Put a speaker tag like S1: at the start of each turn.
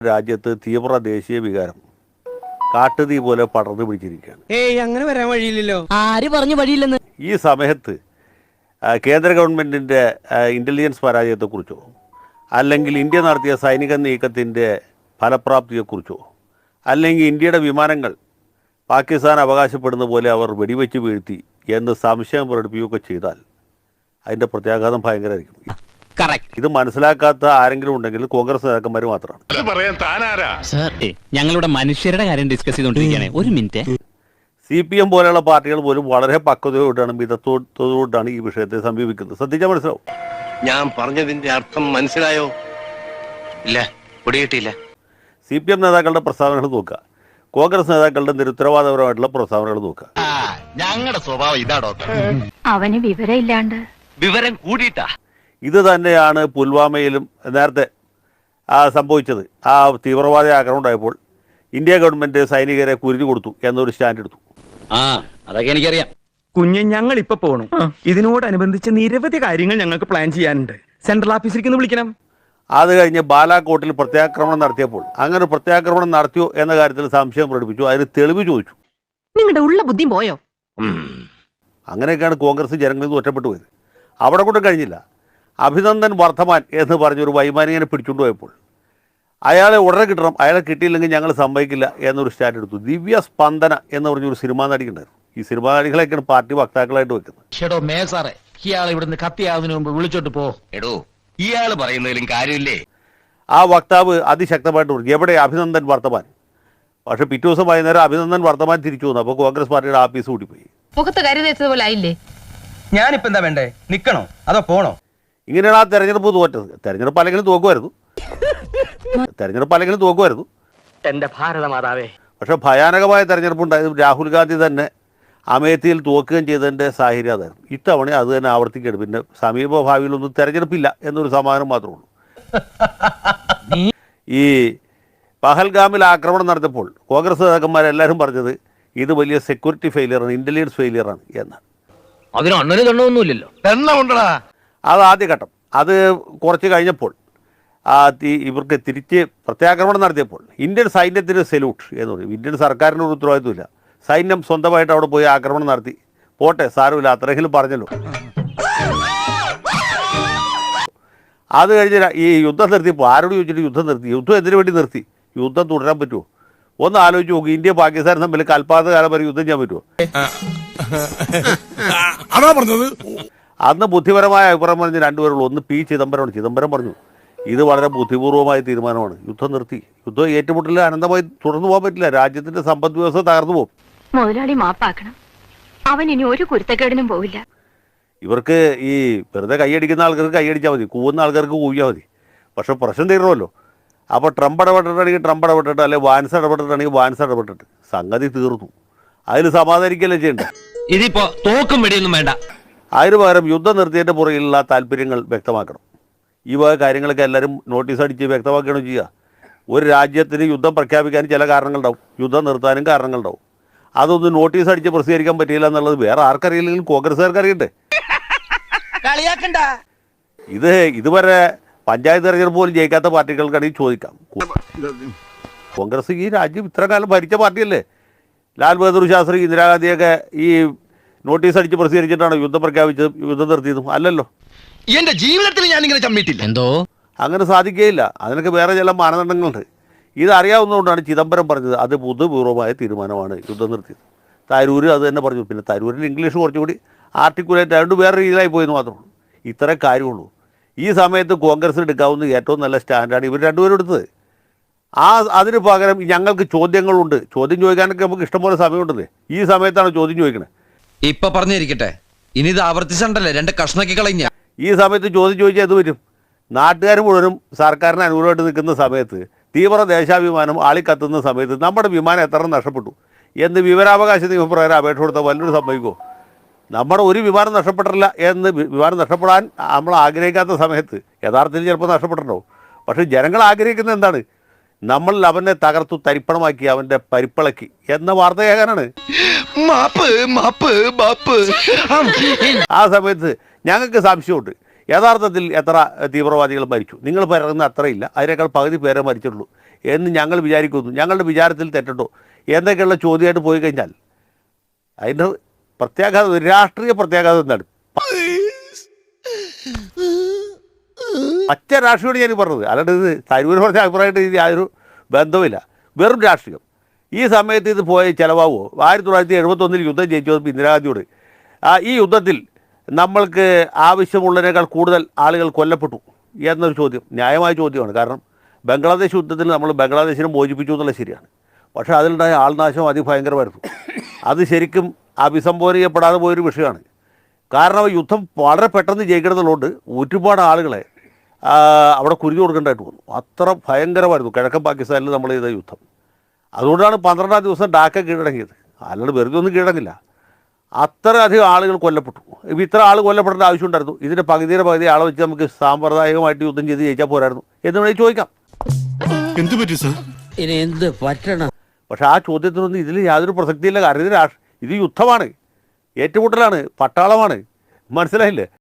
S1: രാജ്യത്ത് തീവ്ര ദേശീയ വികാരം കാട്ടുതീ പോലെ പടർന്നു പിടിച്ചിരിക്കുകയാണ്.
S2: അങ്ങനെ വരാൻ വഴിയില്ലല്ലോ.
S3: ആര് പറഞ്ഞു വഴിയില്ലെന്ന്?
S1: ഈ സമയത്ത് കേന്ദ്ര ഗവൺമെൻറ്റിൻ്റെ ഇൻ്റലിജൻസ് പരാജയത്തെക്കുറിച്ചോ അല്ലെങ്കിൽ ഇന്ത്യ നടത്തിയ സൈനിക നീക്കത്തിൻ്റെ ഫലപ്രാപ്തിയെക്കുറിച്ചോ അല്ലെങ്കിൽ ഇന്ത്യയുടെ വിമാനങ്ങൾ പാകിസ്ഥാൻ അവകാശപ്പെടുന്ന പോലെ അവർ വെടിവെച്ച് വീഴ്ത്തി എന്ന് സംശയം പ്രകടിപ്പിക്കുകയൊക്കെ ചെയ്താൽ അതിൻ്റെ പ്രത്യാഘാതം ഭയങ്കരമായിരിക്കും. ഇത് മനസ്സിലാക്കാത്ത ആരെങ്കിലും ഉണ്ടെങ്കിൽ കോൺഗ്രസ് നേതാക്കന്മാർ മാത്രമാണ്.
S3: ഞങ്ങളുടെ മനുഷ്യരുടെ കാര്യം ഡിസ്കസ് ചെയ്തുകൊണ്ടിരിക്കുകയാണ്. ഒരു മിനിറ്റ്.
S1: CPM പോലെയുള്ള പാർട്ടികൾ പോലും വളരെ പക്വതയോടാണ് മിതത്വത്തോടാണ് ഈ വിഷയത്തെ സമീപിക്കുന്നത്. ശ്രദ്ധിച്ചാൽ മനസ്സിലാവും.
S4: ഞാൻ പറഞ്ഞതിന്റെ അർത്ഥം മനസ്സിലായോ? ഇല്ല, പിടികിട്ടിയില്ല.
S1: CPM നേതാക്കളുടെ പ്രസ്താവനകൾ നോക്കുക, കോൺഗ്രസ് നേതാക്കളുടെ നിരുത്തരവാദപരമായിട്ടുള്ള പ്രസ്താവനകൾ നോക്കുക.
S4: ഞങ്ങളുടെ സ്വഭാവം ഇതാടോ.
S5: അവന് വിവരമില്ലാണ്ട്
S4: വിവരം കൂടിയിട്ടാ.
S1: ഇത് തന്നെയാണ് പുൽവാമയിലും നേരത്തെ സംഭവിച്ചത്. ആ തീവ്രവാദ ആക്രമണം ഉണ്ടായപ്പോൾ ഇന്ത്യ ഗവൺമെന്റ് സൈനികരെ കുരുതി കൊടുത്തു എന്നൊരു സ്റ്റാൻഡ് എടുത്തു.
S3: അതൊക്കെ എനിക്കറിയാം.
S2: കുഞ്ഞ്, ഞങ്ങൾ ഇപ്പൊ പോകണം. ഇതിനോടനുബന്ധിച്ച് നിരവധി കാര്യങ്ങൾ ഞങ്ങൾക്ക് പ്ലാൻ ചെയ്യാനുണ്ട്. സെൻട്രൽ ഓഫീസിലേക്ക് വിളിക്കണം.
S1: അത് കഴിഞ്ഞ് ബാലാകോട്ടിൽ പ്രത്യാക്രമണം നടത്തിയപ്പോൾ അങ്ങനെ പ്രത്യാക്രമണം നടത്തിയോ എന്ന കാര്യത്തിൽ സംശയം പ്രകടിപ്പിച്ചു. അതിന് തെളിവ് ചോദിച്ചു.
S5: നിങ്ങളുടെ ഉള്ള ബുദ്ധി പോയോ?
S1: അങ്ങനെയൊക്കെയാണ് കോൺഗ്രസ് ജനങ്ങളിൽ നിന്ന് ഒറ്റപ്പെട്ടു പോയത്. അവിടെ കൊണ്ട് കഴിഞ്ഞില്ല. അഭിനന്ദൻ വർദ്ധമാൻ എന്ന് പറഞ്ഞൊരു വൈമാനികനെ പിടിച്ചുകൊണ്ട് പോയപ്പോൾ അയാളെ ഉടനെ കിട്ടണം, അയാളെ കിട്ടിയില്ലെങ്കിൽ ഞങ്ങൾ സമ്മതിക്കില്ല എന്നൊരു സ്റ്റാൻഡ് എടുത്തു. ദിവ്യ സ്പന്ദന എന്ന് പറഞ്ഞൊരു സിനിമാ നടിക്കുണ്ടായിരുന്നു. ഈ സിനിമാ നടികളെയൊക്കെയാണ് പാർട്ടി വക്താക്കളായിട്ട് വെക്കുന്നത്.
S6: ഇവിടുന്ന് കത്തിയാവുന്നതിന് മുമ്പ് വിളിച്ചോട്ട് പോ.
S4: എടോ, ഇയാള് പറയുന്നതിലും കാര്യമില്ലേ?
S1: ആ വക്താവ് അതിശക്തമായിട്ട് പറഞ്ഞു, എവിടെ അഭിനന്ദൻ വർദ്ധമാൻ? പക്ഷെ പിറ്റേ ദിവസം വൈകുന്നേരം അഭിനന്ദൻ വർദ്ധമാൻ തിരിച്ചു വന്നു. അപ്പോൾ കോൺഗ്രസ് പാർട്ടിയുടെ ആഫീസ് കൂട്ടിപ്പോയി.
S5: മുഖത്ത് കരി തേച്ചതുപോലെ ആയില്ലേ?
S2: ഞാനിപ്പോ എന്താ വേണ്ടേ? നിക്കണോ അതോ പോണോ?
S1: ഇങ്ങനെയാണ് ആ തെരഞ്ഞെടുപ്പ് തോറ്റത്. തെരഞ്ഞെടുപ്പ് അല്ലെങ്കിലും തോക്കുമായിരുന്നു.
S6: എന്റെ ഭാരതമാതാവേ.
S1: പക്ഷെ ഭയാനകമായ തെരഞ്ഞെടുപ്പ് ഉണ്ടായത് രാഹുൽ ഗാന്ധി തന്നെ അമേത്തിയിൽ തോക്കുകയും ചെയ്തതിൻ്റെ സാഹചര്യം അതായിരുന്നു. ഇത്തവണ അത് തന്നെ ആവർത്തിക്കുകയാണ്. പിന്നെ സമീപ ഭാവിയിലൊന്നും തെരഞ്ഞെടുപ്പില്ല എന്നൊരു സമാധാനം മാത്രമേ ഉള്ളൂ. ഈ പഹൽഗാമിൽ ആക്രമണം നടത്തിയപ്പോൾ കോൺഗ്രസ് നേതാക്കന്മാരെല്ലാവരും പറഞ്ഞത് ഇത് വലിയ സെക്യൂരിറ്റി ഫെയിലിയറാണ്, ഇൻ്റലിജൻസ് ഫെയിലിയറാണ് എന്നാണ്.
S6: അതിന് അണ്ണന് തണ്ണമൊന്നുമില്ലല്ലോ.
S4: എണ്ണമുണ്ടടാ.
S1: അത് ആദ്യഘട്ടം. അത് കുറച്ച് കഴിഞ്ഞപ്പോൾ ഇവർക്ക് തിരിച്ച് പ്രത്യാക്രമണം നടത്തിയപ്പോൾ ഇന്ത്യൻ സൈന്യത്തിന് സെല്യൂട്ട് എന്ന് പറയും. ഇന്ത്യൻ സർക്കാരിന് ഒരു ഉത്തരവാദിത്വമില്ല. സൈന്യം സ്വന്തമായിട്ട് അവിടെ പോയി ആക്രമണം നടത്തി. പോട്ടെ, സാരമില്ല, അത്രയെങ്കിലും പറഞ്ഞല്ലോ. അത് കഴിഞ്ഞ് ഈ യുദ്ധം നിർത്തിയപ്പോൾ ആരോട് ചോദിച്ചിട്ട് യുദ്ധം നിർത്തി? യുദ്ധം എന്തിനു വേണ്ടി നിർത്തി? യുദ്ധം തുടരാൻ പറ്റുമോ? ഒന്ന് ആലോചിച്ച് നോക്കും. ഇന്ത്യ പാകിസ്ഥാൻ തമ്മിൽ കൽപ്പാത കാലം വരെ യുദ്ധം ചെയ്യാൻ പറ്റുമോ? അന്ന് ബുദ്ധിപരമായ അഭിപ്രായം പറഞ്ഞ് രണ്ടുപേരുള്ളൂ. ഒന്ന് P. ചിദംബരമാണ്. ചിദംബരം പറഞ്ഞു ഇത് വളരെ ബുദ്ധിപൂർവമായ തീരുമാനമാണ്, യുദ്ധം നിർത്തി. യുദ്ധം ഏറ്റുമുട്ടൽ അനന്തമായി തുടർന്നു പോകാൻ പറ്റില്ല. രാജ്യത്തിന്റെ സമ്പദ് വ്യവസ്ഥ തകർന്നു പോകും.
S5: മുതലാളി മാപ്പാക്കണം. അവൻ ഇനി ഒരു കുരുത്തക്കേടിനും പോവില്ല.
S1: ഇവർക്ക് ഈ വെറുതെ കൈയടിക്കുന്ന ആൾക്കാർക്ക് കൈയടിച്ചാൽ മതി, കൂവുന്ന ആൾക്കാർക്ക് കൂവിയാൽ മതി. പക്ഷെ പ്രശ്നം തീരണമല്ലോ. അപ്പോൾ ട്രംപ് ഇടപെട്ടിട്ടാണെങ്കിൽ ട്രംപ് ഇടപെട്ടിട്ട്, അല്ലെങ്കിൽ വാൻസ് ഇടപെട്ടിട്ടാണെങ്കിൽ വാൻസ് ഇടപെട്ടിട്ട് സംഗതി തീർന്നു. അതിൽ സമാധാനിക്കല്ലേ ചെയ്യണ്ടേ?
S6: ഇതിപ്പോ തോക്കും വെടിയൊന്നും വേണ്ട.
S1: അതിന് പകരം യുദ്ധം നിർത്തിയതിൻ്റെ പുറകിലുള്ള താല്പര്യങ്ങൾ വ്യക്തമാക്കണം. ഈ വക കാര്യങ്ങളൊക്കെ എല്ലാവരും നോട്ടീസ് അടിച്ച് വ്യക്തമാക്കുകയാണ് ചെയ്യുക. ഒരു രാജ്യത്തിന് യുദ്ധം പ്രഖ്യാപിക്കാൻ ചില കാരണങ്ങളുണ്ടാവും, യുദ്ധം നിർത്താനും കാരണങ്ങളുണ്ടാവും. അതൊന്നും നോട്ടീസ് അടിച്ച് പ്രസിദ്ധീകരിക്കാൻ പറ്റിയില്ല എന്നുള്ളത് വേറെ ആർക്കറിയില്ലെങ്കിലും കോൺഗ്രസ്സുകാർക്ക് അറിയണ്ടേ? ഇതുവരെ പഞ്ചായത്ത് തെരഞ്ഞെടുപ്പ് പോലും ജയിക്കാത്ത പാർട്ടികൾക്കാണെങ്കിൽ ചോദിക്കാം. കോൺഗ്രസ് ഈ രാജ്യം ഇത്ര കാലം ഭരിച്ച പാർട്ടിയല്ലേ? ലാൽ ബഹദൂർ ശാസ്ത്രി, ഇന്ദിരാഗാന്ധിയൊക്കെ ഈ നോട്ടീസ് അടിച്ച് പ്രസിദ്ധീകരിച്ചിട്ടാണ് യുദ്ധം പ്രഖ്യാപിച്ചതും യുദ്ധം നിർത്തിയതും അല്ലല്ലോ.
S4: എന്റെ ജീവിതത്തിൽ ഞാൻ ഇങ്ങനെ ചമ്മിട്ടില്ല.
S6: എന്തോ
S1: അങ്ങനെ സാധിക്കുകയില്ല. അതിനൊക്കെ വേറെ ചില മാനദണ്ഡങ്ങളുണ്ട്. ഇതറിയാവുന്നതുകൊണ്ടാണ് ചിദംബരം പറഞ്ഞത് അത് ബുദ്ധിപൂർവമായ തീരുമാനമാണ് യുദ്ധം നിർത്തിയത്. തരൂർ അത് തന്നെ പറഞ്ഞു. പിന്നെ തരൂരിന് ഇംഗ്ലീഷ് കുറച്ചുകൂടി ആർട്ടിക്കുലേറ്റ് ആയതുകൊണ്ട് വേറെ രീതിയിലായി പോയെന്ന് മാത്രമേ ഉള്ളൂ. ഇത്രേ കാര്യമുള്ളൂ. ഈ സമയത്ത് കോൺഗ്രസ് എടുക്കാവുന്ന ഏറ്റവും നല്ല സ്റ്റാൻഡാണ് ഇവർ രണ്ടുപേരും എടുത്തത്. അതിന് പകരം ഞങ്ങൾക്ക് ചോദ്യങ്ങളുണ്ട്. ചോദ്യം ചോദിക്കാനൊക്കെ നമുക്ക് ഇഷ്ടംപോലെ സമയമുണ്ടല്ലേ. ഈ സമയത്താണ് ചോദ്യം ചോദിക്കണേ.
S7: ഇപ്പൊ പറഞ്ഞിരിക്കട്ടെ, ഇനി ഇത് ആവർത്തിച്ചണ്ടല്ലേ, രണ്ട് കഷ്ണക്കി കളഞ്ഞ.
S1: ഈ സമയത്ത് ചോദ്യം ചോദിച്ചാൽ എന്ത് വരും? നാട്ടുകാർ മുഴുവനും സർക്കാരിന് അനുകൂലമായിട്ട് നിൽക്കുന്ന സമയത്ത്, തീവ്ര ദേശാഭിമാനം ആളിക്കത്തുന്ന സമയത്ത് നമ്മുടെ വിമാനം എത്ര നഷ്ടപ്പെട്ടു എന്ന് വിവരാവകാശ നിയമപ്രകാരം അപേക്ഷ കൊടുത്താൽ വല്ലൊരു സംഭവിക്കുമോ? നമ്മുടെ ഒരു വിമാനം നഷ്ടപ്പെട്ടില്ല എന്ന് വിമാനം നഷ്ടപ്പെടാൻ നമ്മൾ ആഗ്രഹിക്കാത്ത സമയത്ത് യഥാർത്ഥത്തിൽ ചിലപ്പോൾ നഷ്ടപ്പെട്ടിട്ടുണ്ടാവും. പക്ഷേ ജനങ്ങൾ ആഗ്രഹിക്കുന്നത് എന്താണ്? നമ്മൾ അവനെ തകർത്തു തരിപ്പണമാക്കി, അവൻ്റെ പരിപ്പിളക്കി എന്ന വാർത്ത കേൾക്കാനാണ്. ആ സമയത്ത് ഞങ്ങൾക്ക് സംശയമുണ്ട്, യഥാർത്ഥത്തിൽ എത്ര തീവ്രവാദികൾ മരിച്ചു? നിങ്ങൾ പറയുന്ന അത്രയില്ല, അതിനേക്കാൾ പകുതി പേരെ മരിച്ചിട്ടുള്ളൂ എന്ന് ഞങ്ങൾ വിചാരിക്കുന്നു. ഞങ്ങളുടെ വിചാരത്തിൽ തെറ്റുണ്ടോ എന്നൊക്കെയുള്ള ചോദ്യമായിട്ട് പോയി കഴിഞ്ഞാൽ അതിൻ്റെ പ്രത്യാഘാതം, രാഷ്ട്രീയ പ്രത്യാഘാതം എന്താണ്? പച്ച രാഷ്ട്രീയമാണ് ഞാൻ പറഞ്ഞത്, അല്ലാണ്ട് ഇത് തരൂർ പറഞ്ഞ അഭിപ്രായമായിട്ട് ഇത് യാതൊരു ബന്ധവുമില്ല, വെറും രാഷ്ട്രീയം. ഈ സമയത്ത് ഇത് പോയി ചിലവാകുമോ? 1971 യുദ്ധം ജയിച്ചു വന്നപ്പോൾ ഇന്ദിരാഗാന്ധിയോട് ഈ യുദ്ധത്തിൽ നമ്മൾക്ക് ആവശ്യമുള്ളതിനേക്കാൾ കൂടുതൽ ആളുകൾ കൊല്ലപ്പെട്ടു എന്നൊരു ചോദ്യം ന്യായമായ ചോദ്യമാണ്. കാരണം ബംഗ്ലാദേശ് യുദ്ധത്തിൽ നമ്മൾ ബംഗ്ലാദേശിനെ മോചിപ്പിച്ചു എന്നുള്ളത് ശരിയാണ്. പക്ഷേ അതിലുണ്ടായ ആൾനാശം അതിഭയങ്കരമായിരുന്നു. അത് ശരിക്കും അഭിസംബോധന ചെയ്യപ്പെടാതെ പോയൊരു വിഷയമാണ്. കാരണം യുദ്ധം വളരെ പെട്ടെന്ന് ജയിക്കണമെന്നുള്ളതുകൊണ്ട് ഒരുപാട് ആളുകളെ അവിടെ കുരുതി കൊടുക്കേണ്ടതായിട്ട് വന്നു. അത്ര ഭയങ്കരമായിരുന്നു കിഴക്കൻ പാകിസ്ഥാനിൽ നമ്മൾ ചെയ്ത യുദ്ധം. അതുകൊണ്ടാണ് 12-ാം ദിവസം ഡാക്ക കീഴടങ്ങിയത്. അല്ലാണ്ട് വെറുതെ ഒന്നും കീഴടങ്ങില്ല. അത്രയധികം ആളുകൾ കൊല്ലപ്പെട്ടു. ഇപ്പോൾ ഇത്ര ആൾ കൊല്ലപ്പെടേണ്ട ആവശ്യമുണ്ടായിരുന്നു? ഇതിൻ്റെ പകുതിയുടെ പകുതി ആളെ വെച്ച് നമുക്ക് സാമ്പ്രദായികമായിട്ട് യുദ്ധം ചെയ്ത് ജയിച്ചാൽ പോരായിരുന്നു എന്ന് വേണമെങ്കിൽ ചോദിക്കാം.
S8: എന്ത് പറ്റി സാർ?
S6: ഇനി എന്ത് പറ്റണം?
S1: പക്ഷേ ആ ചോദ്യത്തിനൊന്നും ഇതിൽ യാതൊരു പ്രസക്തിയില്ല. കാരണം ഇത് യുദ്ധമാണ്, ഏറ്റുമുട്ടലാണ്, പട്ടാളമാണ്. മനസ്സിലായില്ലേ?